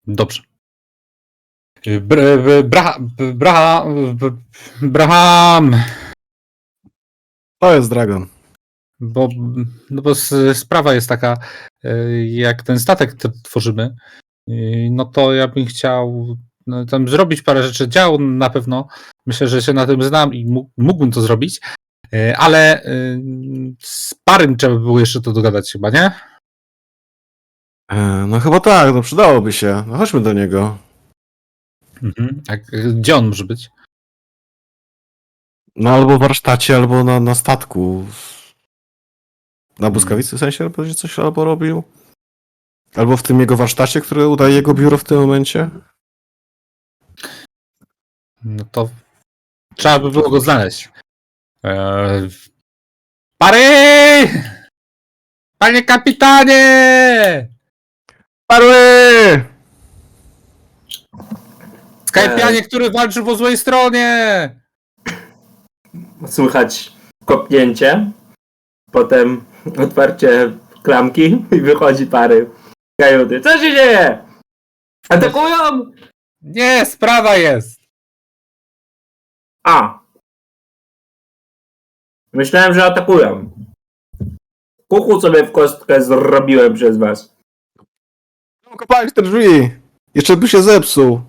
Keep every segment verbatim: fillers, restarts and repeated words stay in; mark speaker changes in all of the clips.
Speaker 1: Dobrze. Br- Bra- Bra- Braham,
Speaker 2: To jest dragon.
Speaker 1: bo, no bo s- sprawa jest taka, y, jak ten statek t- tworzymy, y, no to ja bym chciał no, tam zrobić parę rzeczy, dział na pewno. Myślę, że się na tym znam i mógł- mógłbym to zrobić, y, ale y, z parym trzeba by było jeszcze to dogadać chyba, nie?
Speaker 2: E, No chyba tak, no przydałoby się. No chodźmy do niego.
Speaker 1: Mhm. Jak, gdzie on może być?
Speaker 2: No albo w warsztacie, albo na, na statku. Na błyskawicy w sensie, albo że coś albo robił. Albo w tym jego warsztacie, który udaje jego biuro w tym momencie.
Speaker 1: No to trzeba by było go znaleźć. Eee... Pary! Panie kapitanie!
Speaker 2: Parły!
Speaker 1: Skajpianie, który walczy po złej stronie!
Speaker 3: Słychać kopnięcie, potem otwarcie klamki i wychodzi pary kajuty. Co się dzieje? Atakują!
Speaker 1: Nie, sprawa jest!
Speaker 3: A. Myślałem, że atakują. Kuchu sobie w kostkę zrobiłem przez was.
Speaker 2: Kopałeś te drzwi! Jeszcze by się zepsuł.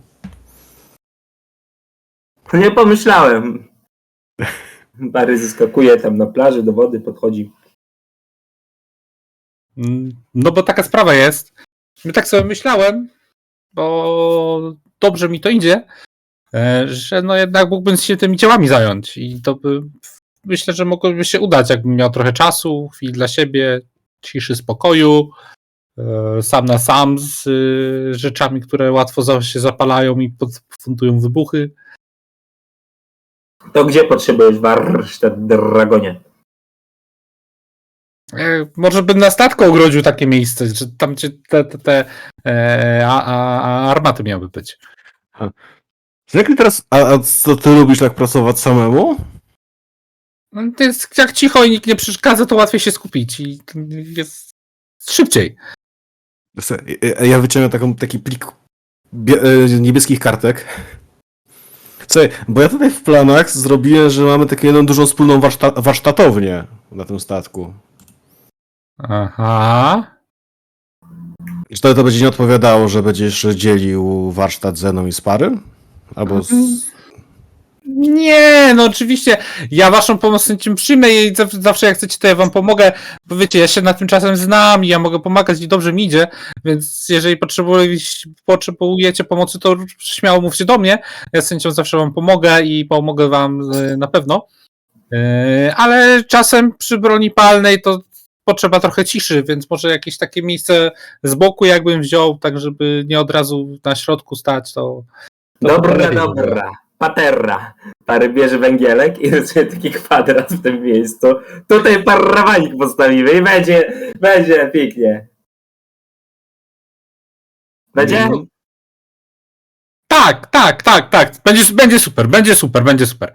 Speaker 3: Nie pomyślałem. Pary zyskakuje tam na plaży, do wody podchodzi.
Speaker 1: No bo taka sprawa jest. Tak sobie myślałem, bo dobrze mi to idzie, że no jednak mógłbym się tymi dziełami zająć i to by, myślę, że mogłoby się udać, jakbym miał trochę czasu, chwili dla siebie, ciszy, spokoju, sam na sam z rzeczami, które łatwo się zapalają i pofundują wybuchy.
Speaker 3: To gdzie potrzebujesz warsztat, dragonie?
Speaker 1: Może bym na statku ogrodził takie miejsce, że tam gdzie te, te, te e, a, a, armaty miały być.
Speaker 2: Jak teraz, a, a co ty lubisz tak pracować samemu?
Speaker 1: No, to jest, jak cicho i nikt nie przeszkadza, to łatwiej się skupić i jest szybciej.
Speaker 2: Ja wyciągam taką, taki plik bie, niebieskich kartek. Słuchaj, bo ja tutaj w planach zrobiłem, że mamy taką jedną dużą wspólną warszta, warsztatownię na tym statku.
Speaker 1: Aha.
Speaker 2: I czy to, to będzie nie odpowiadało, że będziesz dzielił warsztat ze mną i z parym? Albo z...
Speaker 1: Nie, no oczywiście. Ja waszą pomoc tym przyjmę i zawsze jak chcecie, to ja wam pomogę. Bo wiecie, ja się na tym czasem znam i ja mogę pomagać i dobrze mi idzie, więc jeżeli potrzebujecie pomocy, to śmiało mówcie do mnie. Ja z chęcią zawsze wam pomogę i pomogę wam na pewno. Ale czasem przy broni palnej to potrzeba trochę ciszy, więc może jakieś takie miejsce z boku jakbym wziął, tak żeby nie od razu na środku stać, to... to
Speaker 3: dobra,
Speaker 1: to
Speaker 3: dobra. Paterra. Pary bierze węgielek i rysuje taki kwadrat w tym miejscu. Tutaj parawanik postawimy i będzie, będzie pięknie. Będzie?
Speaker 2: Mm.
Speaker 1: Tak, tak, tak, tak. Będzie, będzie super, będzie super, będzie super.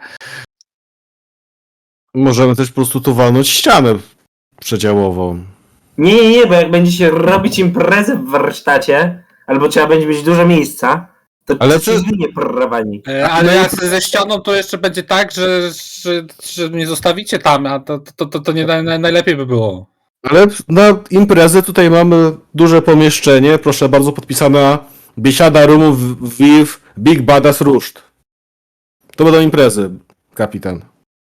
Speaker 2: Możemy też po prostu tu walnąć ścianę przedziałową.
Speaker 3: Nie, nie, nie, bo jak będziecie robić imprezę w warsztacie, albo trzeba będzie mieć dużo miejsca, to
Speaker 2: Ale
Speaker 3: to
Speaker 2: to-
Speaker 3: się zmieni parawanik.
Speaker 1: E, Ale jak ze ścianą to jeszcze będzie tak, że, że, że mnie zostawicie tam, a to, to, to, to nie naj, najlepiej by było.
Speaker 2: Ale na imprezę tutaj mamy duże pomieszczenie, proszę bardzo, podpisana biesiada rumów Viv Big Badass Ruszt. To będą imprezy, kapitan.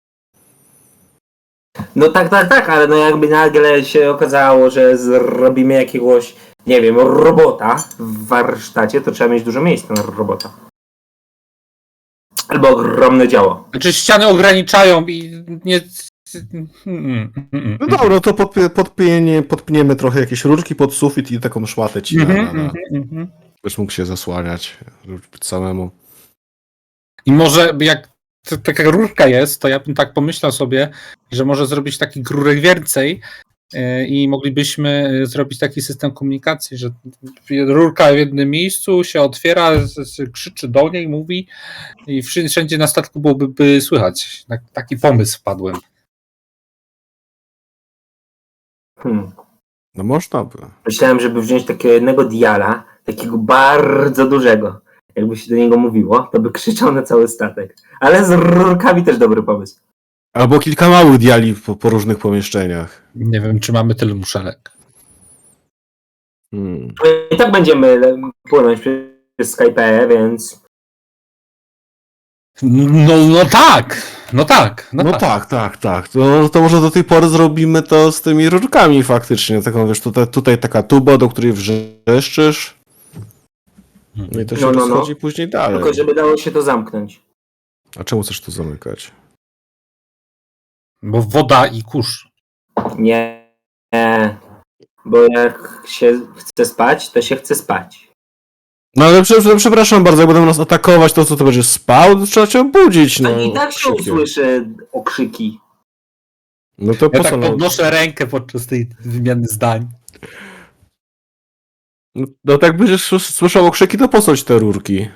Speaker 3: No tak, tak, tak, ale no jakby nagle się okazało, że zrobimy jakiegoś, nie wiem, robota w warsztacie, to trzeba mieć dużo miejsca na robota. Albo ogromne działo.
Speaker 1: Znaczy ściany ograniczają i nie... Mm, mm,
Speaker 2: No dobra, to podpie, podpienie, podpniemy trochę jakieś rurki pod sufit i taką szmatę ci na, na,
Speaker 1: mhm,
Speaker 2: na.
Speaker 1: mhm, mhm.
Speaker 2: Byś mógł się zasłaniać samemu.
Speaker 1: I może jak t- taka rurka jest, to ja bym tak pomyślał sobie, że może zrobić takich rurek więcej yy, i moglibyśmy zrobić taki system komunikacji, że rurka w jednym miejscu się otwiera, z- z- krzyczy do niej, mówi i wszędzie, wszędzie na statku byłoby by słychać. Tak, taki pomysł wpadłem.
Speaker 3: Hmm.
Speaker 2: No można by.
Speaker 3: Myślałem, żeby wziąć takiego jednego diala, takiego bardzo dużego. Jakby się do niego mówiło, to by krzyczał na cały statek. Ale z rurkami też dobry pomysł.
Speaker 2: Albo kilka małych diali po, po różnych pomieszczeniach.
Speaker 1: Nie wiem, czy mamy tyle muszelek.
Speaker 2: Hmm.
Speaker 3: I tak będziemy płynąć przez Skype, więc...
Speaker 1: No, no tak, no tak, no,
Speaker 2: No
Speaker 1: tak.
Speaker 2: tak, tak, tak. To, to może do tej pory zrobimy to z tymi rurkami faktycznie. Taką, wiesz, tutaj, tutaj taka tuba, do której wrzeszczysz. No i to się
Speaker 3: No, no, no.
Speaker 2: rozchodzi później dalej.
Speaker 3: Tylko żeby dało się to zamknąć.
Speaker 2: A czemu chcesz to zamykać?
Speaker 1: Bo woda i kurz.
Speaker 3: Nie, nie. Bo jak się chce spać, to się chce spać.
Speaker 2: No ale prze, przepraszam bardzo, jak będą nas atakować, to co to będziesz spał? To trzeba cię obudzić, no.
Speaker 3: No i tak się
Speaker 2: krzykiem.
Speaker 3: usłyszy okrzyki.
Speaker 2: No to po
Speaker 1: Ja
Speaker 2: co?
Speaker 1: tak
Speaker 2: No,
Speaker 1: podnoszę rękę podczas tej wymiany zdań.
Speaker 2: no tak będziesz słys- słyszał okrzyki, to po co ci te rurki?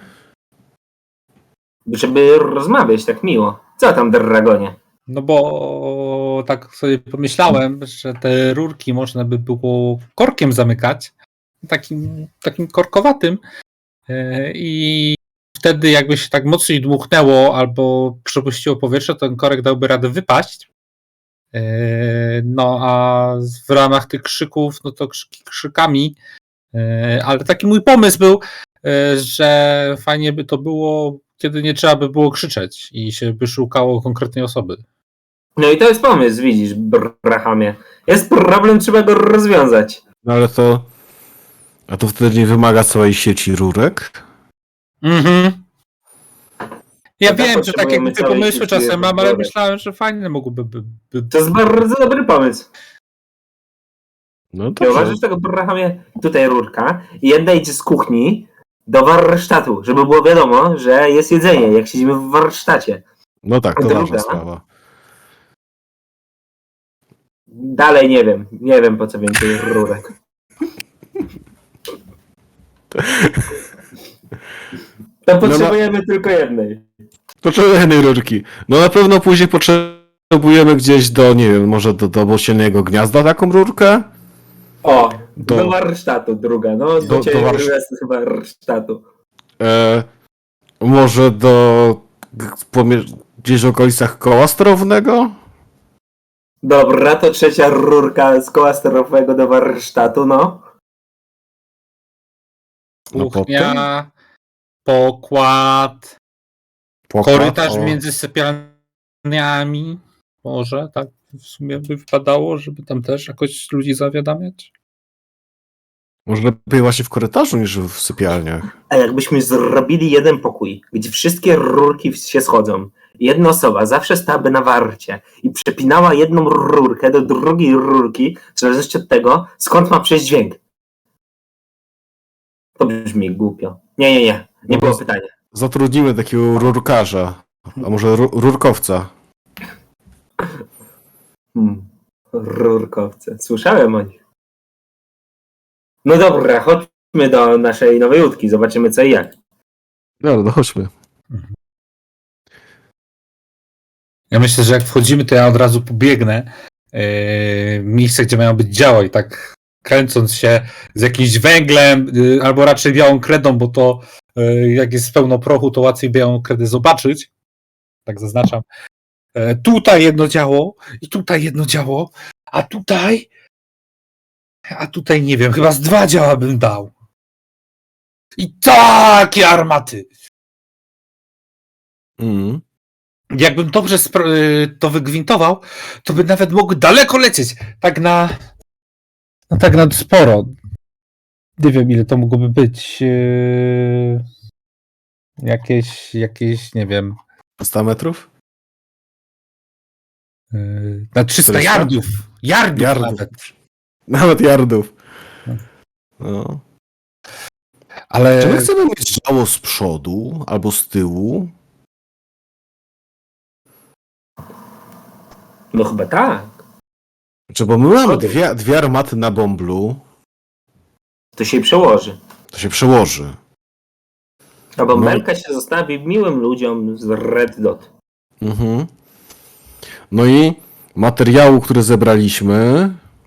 Speaker 3: Żeby rozmawiać tak miło. Co tam, dragonie?
Speaker 1: No bo tak sobie pomyślałem, że te rurki można by było korkiem zamykać. Takim, takim korkowatym. Yy, I wtedy jakby się tak mocniej dmuchnęło albo przepuściło powietrze, to ten korek dałby radę wypaść. Yy, No a w ramach tych krzyków, no to krzyki krzykami. Yy, Ale taki mój pomysł był, yy, że fajnie by to było, kiedy nie trzeba by było krzyczeć i się by szukało konkretnej osoby.
Speaker 3: No i to jest pomysł, widzisz, Brahamie. Jest problem, trzeba go rozwiązać.
Speaker 2: No ale to... A to wtedy nie wymaga całej sieci rurek?
Speaker 1: Mhm. Ja
Speaker 3: No tak,
Speaker 1: wiem, że takie
Speaker 3: potrzebujemy
Speaker 1: głupie
Speaker 3: całej
Speaker 1: pomysły
Speaker 3: sieci
Speaker 1: czasem mam, ale
Speaker 3: rurek.
Speaker 1: myślałem, że fajne mogłyby by, by...
Speaker 3: To jest bardzo dobry pomysł.
Speaker 2: No
Speaker 3: Nie
Speaker 2: dobrze.
Speaker 3: uważasz tego, Brahamie? Tutaj rurka. I jedna idzie z kuchni do warsztatu, żeby było wiadomo, że jest jedzenie, jak siedzimy w warsztacie.
Speaker 2: No tak, to
Speaker 3: Druga.
Speaker 2: ważna sprawa.
Speaker 3: Dalej nie wiem. Nie wiem, po co więcej rurek. To potrzebujemy tylko jednej.
Speaker 2: Potrzebujemy jednej rurki. No na pewno później potrzebujemy gdzieś do, nie wiem, może do, do osiennego gniazda taką rurkę?
Speaker 3: O,
Speaker 2: Do-
Speaker 3: do, warsztatu druga. No, do,
Speaker 2: do-
Speaker 3: do
Speaker 2: do warsz-
Speaker 3: z warsztatu.
Speaker 2: E, może do... g- pomie- gdzieś w okolicach koła sterownego?
Speaker 3: Dobra, to trzecia rurka z koła sterowego do warsztatu, no.
Speaker 2: No
Speaker 1: Kuchnia, pokład,
Speaker 2: Pokład,
Speaker 1: korytarz
Speaker 2: o.
Speaker 1: między sypialniami. Może tak w sumie by wypadało, żeby tam też jakoś ludzi zawiadamiać.
Speaker 2: Może lepiej właśnie w korytarzu niż w sypialniach.
Speaker 3: A jakbyśmy zrobili jeden pokój, gdzie wszystkie rurki się schodzą, jedna osoba zawsze stałaby na warcie i przepinała jedną rurkę do drugiej rurki, w zależności od tego, skąd ma przejść dźwięk. To brzmi głupio. Nie, nie, nie. Nie było pytania.
Speaker 2: Zatrudnimy takiego rurkarza. A może ru- rurkowca.
Speaker 3: Hmm. Rurkowce. Słyszałem o nich. No dobra, chodźmy do naszej nowej łódki. Zobaczymy co i jak.
Speaker 2: Dobra, no chodźmy.
Speaker 1: Ja myślę, że jak wchodzimy, to ja od razu pobiegnę yy, w miejsce, gdzie mają być działa i tak kręcąc się z jakimś węglem, yy, albo raczej białą kredą, bo to yy, jak jest pełno prochu, to łatwiej białą kredę zobaczyć. Tak zaznaczam. Yy, tutaj jedno działo i tutaj jedno działo, a tutaj a tutaj nie wiem, chyba z dwa działa bym dał. I takie armaty!
Speaker 2: Mm.
Speaker 1: Jakbym dobrze spro- y, to wygwintował, to by nawet mógł daleko lecieć. Tak na. No tak na sporo. Nie wiem, ile to mogłoby być. Yy, jakieś, jakieś, nie wiem.
Speaker 2: sto metrów?
Speaker 1: Yy, na trzysta
Speaker 2: czterysta?
Speaker 1: yardów. Yardów,
Speaker 2: Yardów.
Speaker 1: nawet.
Speaker 2: Nawet yardów. No.
Speaker 1: Ale
Speaker 2: Czy my chcemy mieć działo z przodu albo z tyłu?
Speaker 3: No chyba tak.
Speaker 2: Czy bo my mamy dwie, dwie armaty na bąblu,
Speaker 3: To się przełoży.
Speaker 2: to się przełoży.
Speaker 3: Ta bąbelka się zostawi miłym ludziom z Red Dot.
Speaker 2: Mhm. No i materiału, który zebraliśmy,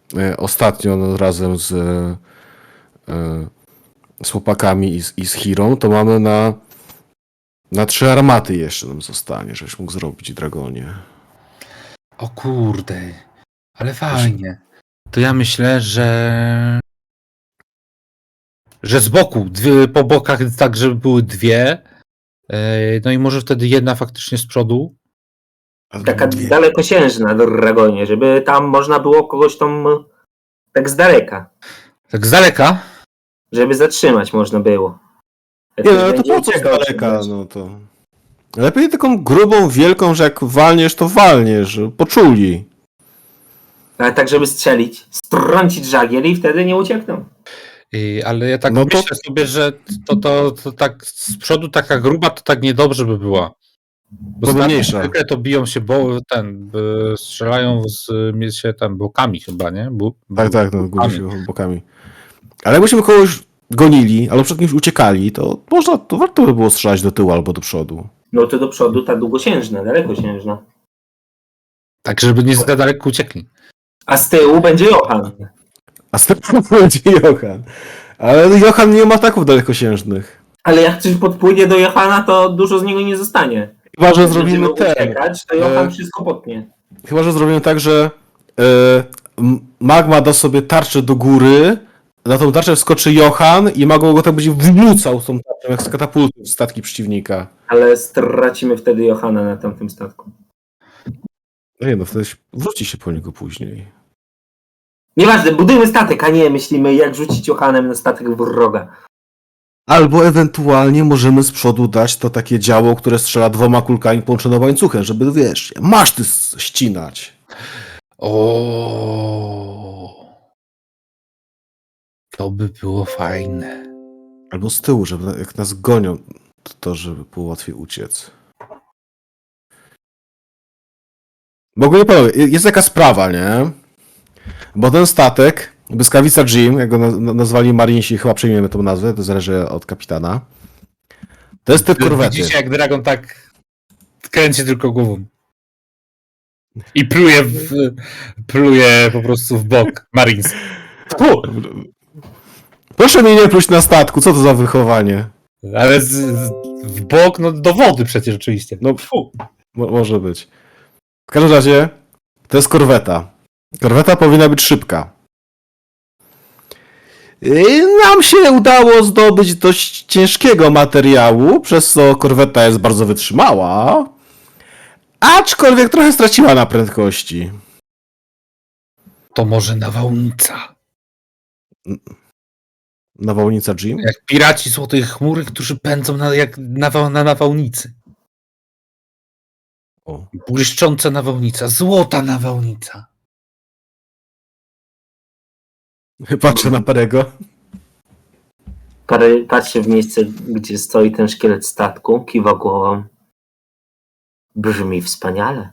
Speaker 2: e, ostatnio no, razem z, e, z chłopakami i z, i z Hirą, to mamy na, na trzy armaty jeszcze nam zostanie, żebyś mógł zrobić, Dragonie.
Speaker 1: O kurde, ale fajnie. To ja myślę, że że z boku, dwie, po bokach tak, żeby były dwie. Yy, No i może wtedy jedna faktycznie z przodu.
Speaker 2: A
Speaker 3: Taka
Speaker 2: dwie.
Speaker 3: dalekosiężna Dragonie, żeby tam można było kogoś tam tak z daleka,
Speaker 1: Tak z daleka.
Speaker 3: żeby zatrzymać można było. Jak
Speaker 2: Nie,
Speaker 3: ktoś
Speaker 2: no ale to
Speaker 3: będzie
Speaker 2: po co z
Speaker 3: uciekał,
Speaker 2: daleka,
Speaker 3: czy-
Speaker 2: no to... Lepiej taką grubą, wielką, że jak walniesz, to walniesz, żeby poczuli.
Speaker 3: Ale tak, żeby strzelić, strącić żagiel i wtedy nie uciekną.
Speaker 1: Yy, Ale ja tak
Speaker 2: No to-
Speaker 1: myślę sobie, że to, to, to tak z przodu taka gruba, to tak niedobrze by była. Bo
Speaker 2: Bo
Speaker 1: statki
Speaker 2: mniejsza.
Speaker 1: zwykle to biją się, bo ten, y, strzelają z y, się tam bokami chyba, nie? Bu,
Speaker 2: Tak, tak, no,
Speaker 1: bokami.
Speaker 2: gubi się bokami. Ale jakbyśmy kogoś gonili, albo przed kimś uciekali, to można, to warto by było strzelać do tyłu albo do przodu.
Speaker 3: No to do przodu ta długosiężna, dalekosiężna.
Speaker 1: Tak, żeby nie za daleko uciekli.
Speaker 3: A z tyłu będzie Johan.
Speaker 2: A z tego będzie Johan. Ale Johan nie ma ataków dalekosiężnych.
Speaker 3: Ale jak coś podpłynie do Johana, to dużo z niego nie zostanie.
Speaker 2: Chyba, że
Speaker 3: Jak
Speaker 2: zrobimy
Speaker 3: będziemy
Speaker 2: ten.
Speaker 3: uciekać, to Johan
Speaker 2: e,
Speaker 3: wszystko potnie.
Speaker 2: Chyba, że zrobimy tak, że e, m- Magma da sobie tarczę do góry, na tą tarczę wskoczy Johan i Magma go tak będzie wrzucał z tą tarczą, jak z katapultu w statki przeciwnika.
Speaker 3: Ale stracimy wtedy Johana na tamtym statku.
Speaker 2: No nie no, wtedy się- wróci się po niego później.
Speaker 3: Nieważne, budujmy statek, a nie myślimy, jak rzucić Johanem na statek wroga.
Speaker 2: Albo ewentualnie możemy z przodu dać to takie działo, które strzela dwoma kulkami połączone łańcuchem, żeby, wiesz, masz ty s- ścinać.
Speaker 1: O, to by było fajne.
Speaker 2: Albo z tyłu, żeby na- jak nas gonią, to, to żeby było łatwiej uciec. Bo ogólnie panowie, jest taka sprawa, nie? Bo ten statek, Błyskawica Jim, jak go naz- na- nazwali Marinesi, chyba przyjmiemy tą nazwę, to zależy od kapitana. To jest typ korwety.
Speaker 1: Widzicie, jak Dragon tak kręci tylko głową. I pluje, w, pluje po prostu w bok Marines. Fu!
Speaker 2: Proszę mnie nie pluć na statku, co to za wychowanie?
Speaker 1: Ale z, z, w bok, no do wody przecież oczywiście.
Speaker 2: No,
Speaker 1: Fu.
Speaker 2: Mo- może być. W każdym razie, to jest korweta. Korweta powinna być szybka. I nam się udało zdobyć dość ciężkiego materiału, przez co korweta jest bardzo wytrzymała. Aczkolwiek trochę straciła na prędkości.
Speaker 1: To może nawałnica.
Speaker 2: Nawałnica Jim?
Speaker 1: Jak piraci złotej chmury, którzy pędzą na, jak nawał, na nawałnicy.
Speaker 2: O.
Speaker 1: Błyszcząca nawałnica, złota nawałnica.
Speaker 2: Patrzę na Perego.
Speaker 3: Parę- Patrzcie w miejsce, gdzie stoi ten szkielet statku, kiwa głową. Brzmi wspaniale.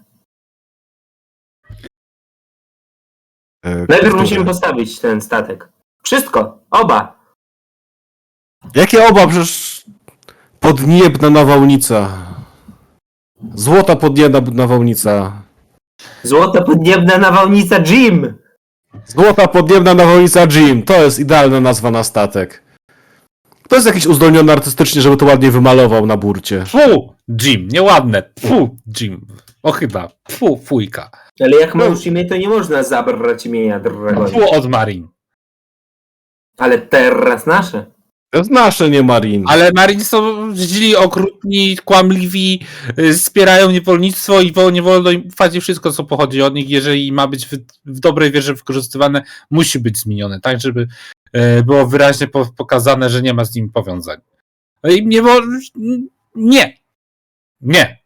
Speaker 2: E,
Speaker 3: Najpierw
Speaker 2: które?
Speaker 3: musimy postawić ten statek. Wszystko, oba.
Speaker 2: Jakie oba? Przecież podniebna nawałnica. Złota podniebna nawałnica.
Speaker 3: Złota podniebna nawałnica Jim.
Speaker 2: Złota podniebna nawałnica Jim. To jest idealna nazwa na statek. To jest jakiś uzdolniony artystycznie, żeby to ładnie wymalował na burcie.
Speaker 1: Fu, Jim, nieładne. Fu, Jim. O chyba. Fu, fujka.
Speaker 3: Ale jak ma już imię, to nie można zabrać imienia Dragonie.
Speaker 1: Fu od Marin.
Speaker 3: Ale teraz nasze.
Speaker 2: To jest nasze, nie Marin.
Speaker 1: Ale Marin są źli, okrutni, kłamliwi, y, wspierają niewolnictwo i wo- nie wolno im ufać i wszystko, co pochodzi od nich, jeżeli ma być w, w dobrej wierze wykorzystywane, musi być zmienione, tak, żeby y, było wyraźnie po, pokazane, że nie ma z nim powiązań. No i nie, wo- nie. Nie.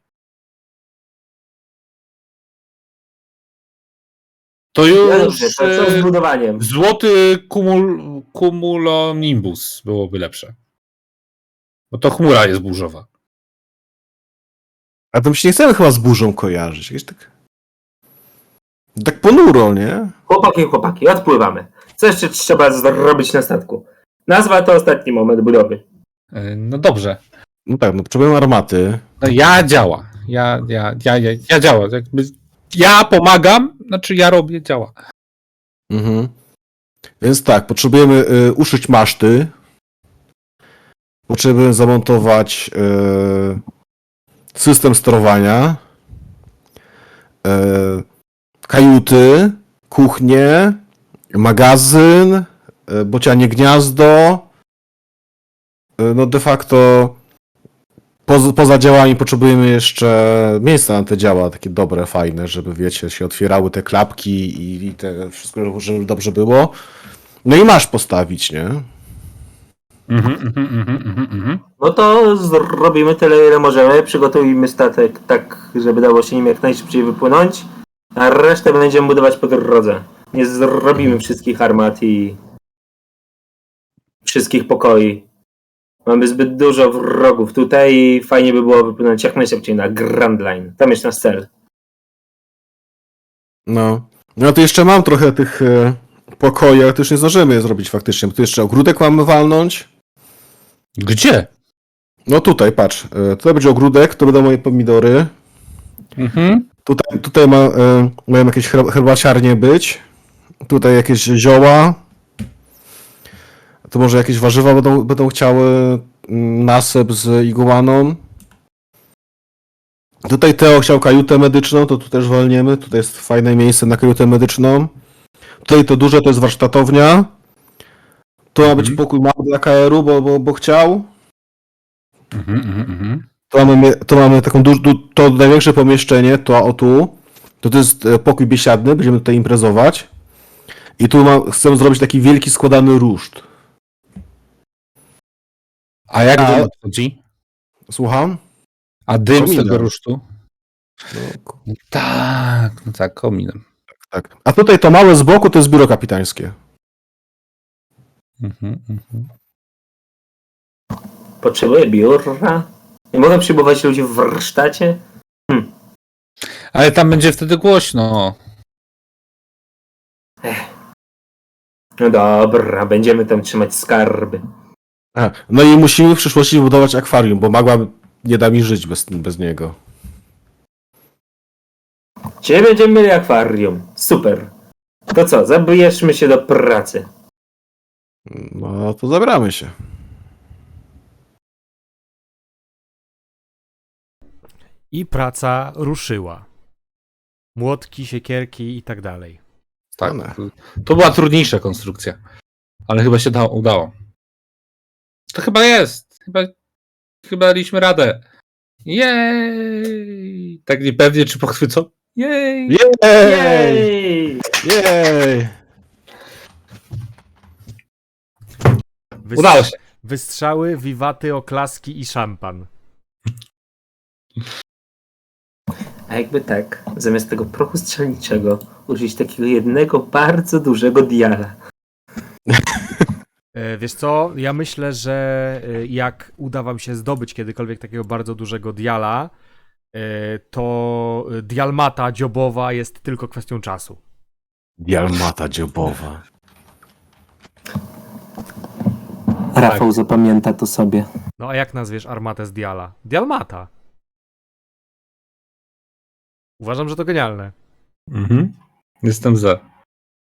Speaker 1: To
Speaker 3: No
Speaker 1: już
Speaker 3: dobrze, to co z
Speaker 1: y,
Speaker 3: budowaniem?
Speaker 1: złoty kumul, cumulonimbus byłoby lepsze. Bo to chmura jest burzowa.
Speaker 2: A to my się nie chcemy chyba z burzą kojarzyć. Jakieś tak... Tak ponuro, nie?
Speaker 3: Chłopaki, chłopaki, odpływamy. Co jeszcze trzeba zrobić na statku? Nazwa to ostatni moment budowy.
Speaker 1: Y, No dobrze.
Speaker 2: No tak, no potrzebujemy armaty.
Speaker 1: No ja działa. Ja, ja, ja, ja, ja działa. Jakby ja pomagam, znaczy ja robię, działa.
Speaker 2: Mhm. Więc tak, potrzebujemy y, uszyć maszty. Potrzebujemy zamontować y, system sterowania. Y, kajuty, kuchnię, magazyn, y, bocianie gniazdo. Y, no de facto poza, poza działami potrzebujemy jeszcze miejsca na te działa, takie dobre, fajne, żeby wiecie, się otwierały te klapki i, i te wszystko, żeby dobrze było. No i masz postawić, nie?
Speaker 1: Mhm, mhm, mhm, mhm, mhm.
Speaker 3: No to zrobimy tyle, ile możemy. Przygotujmy statek tak, żeby dało się nim jak najszybciej wypłynąć, a resztę będziemy budować po drodze. Nie zrobimy wszystkich armat i wszystkich pokoi. Mamy zbyt dużo wrogów tutaj i fajnie by było wypłynąć jak najszybciej na Grand Line. Tam jest nasz cel.
Speaker 2: No. No to jeszcze mam trochę tych e, pokoi, ale to już nie zdążymy je zrobić faktycznie, bo tu jeszcze ogródek mamy walnąć.
Speaker 1: Gdzie?
Speaker 2: No tutaj, patrz. E, tutaj będzie ogródek, to będą moje pomidory.
Speaker 1: Mhm.
Speaker 2: Tutaj, tutaj ma, e, mają jakieś her- herbaciarnie być. Tutaj jakieś zioła. To może jakieś warzywa będą, będą chciały mm, nasep z iguaną. Tutaj Teo chciał kajutę medyczną, to tu też walniemy. Tutaj jest fajne miejsce na kajutę medyczną. Tutaj to duże to jest warsztatownia. Tu ma być
Speaker 1: Mhm.
Speaker 2: pokój mały dla K R u, bo, bo, bo chciał.
Speaker 1: Mhm, mhm, mhm.
Speaker 2: Tu mamy, tu mamy taką duż, du, to największe pomieszczenie, to o tu. To, to jest e, pokój biesiadny, będziemy tutaj imprezować. I tu ma, chcemy zrobić taki wielki składany ruszt.
Speaker 1: A jak
Speaker 2: A-
Speaker 1: dym odchodzi?
Speaker 2: Słucham?
Speaker 1: A dym z
Speaker 2: Kominem.
Speaker 1: tego rusztu?
Speaker 2: No, k-
Speaker 1: No tak, no tak, kominem.
Speaker 2: tak. A tutaj to małe z boku to jest biuro kapitańskie.
Speaker 1: Mhm, mhm.
Speaker 3: Potrzebuję biura. Nie mogę przyjmować ludzi w warsztacie.
Speaker 1: Ale tam będzie wtedy głośno.
Speaker 3: No dobra, będziemy tam trzymać skarby.
Speaker 2: A, no i musimy w przyszłości budować akwarium, bo Magma nie da mi żyć bez, bez niego.
Speaker 3: Dzisiaj będziemy mieli akwarium. Super. To co, zabierzmy się do pracy.
Speaker 2: No to zabramy się.
Speaker 4: I praca ruszyła. Młotki, siekierki i tak dalej.
Speaker 1: Tak.
Speaker 2: One.
Speaker 1: To, to była trudniejsza konstrukcja. Ale chyba się dało, udało. To chyba jest. Chyba, chyba daliśmy radę. Jej! Tak niepewnie, czy pochwycą? Jej!
Speaker 2: Jej!
Speaker 3: Jej!
Speaker 2: Jej!
Speaker 4: Wys-
Speaker 1: Udało się.
Speaker 4: Wystrzały, wiwaty, oklaski i szampan.
Speaker 3: A jakby tak, zamiast tego prochu strzelniczego użyć takiego jednego bardzo dużego diala.
Speaker 4: E, Wiesz co, ja myślę, że e, jak uda wam się zdobyć kiedykolwiek takiego bardzo dużego diala, e, to dialmata dziobowa jest tylko kwestią czasu.
Speaker 2: Dialmata dziobowa.
Speaker 3: Rafał zapamięta to sobie.
Speaker 4: No a jak nazwiesz armatę z diala? Dialmata. Uważam, że to genialne.
Speaker 1: Mhm. Jestem za.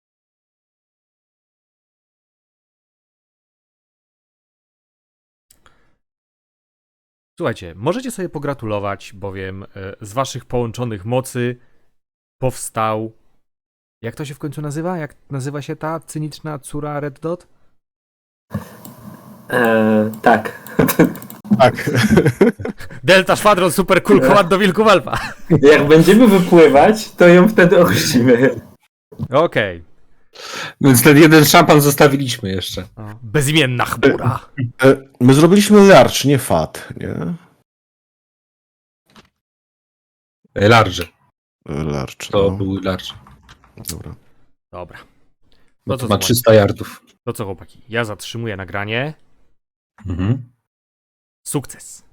Speaker 4: Słuchajcie, możecie sobie pogratulować, bowiem e, z waszych połączonych mocy powstał... Jak to się w końcu nazywa? Jak nazywa się ta cyniczna córa Red Dot?
Speaker 3: Eee, tak.
Speaker 2: Tak.
Speaker 4: Delta Szwadron Super Cool Command do Wilków Alfa.
Speaker 3: Jak będziemy wypływać, to ją wtedy ochrzcimy.
Speaker 4: Okej.
Speaker 1: Więc ten jeden szampan zostawiliśmy jeszcze.
Speaker 4: Okay. Bezimienna chmura.
Speaker 2: E, My zrobiliśmy larcz, nie fat, nie?
Speaker 1: Large.
Speaker 2: Larcz.
Speaker 1: To
Speaker 2: no.
Speaker 1: był large.
Speaker 2: Dobra.
Speaker 4: Dobra.
Speaker 1: Bo
Speaker 4: No
Speaker 1: to
Speaker 4: to
Speaker 1: ma
Speaker 4: zobacz.
Speaker 1: trzysta yardów.
Speaker 4: To co, chłopaki? Ja zatrzymuję nagranie.
Speaker 1: Mhm.
Speaker 4: Sukces.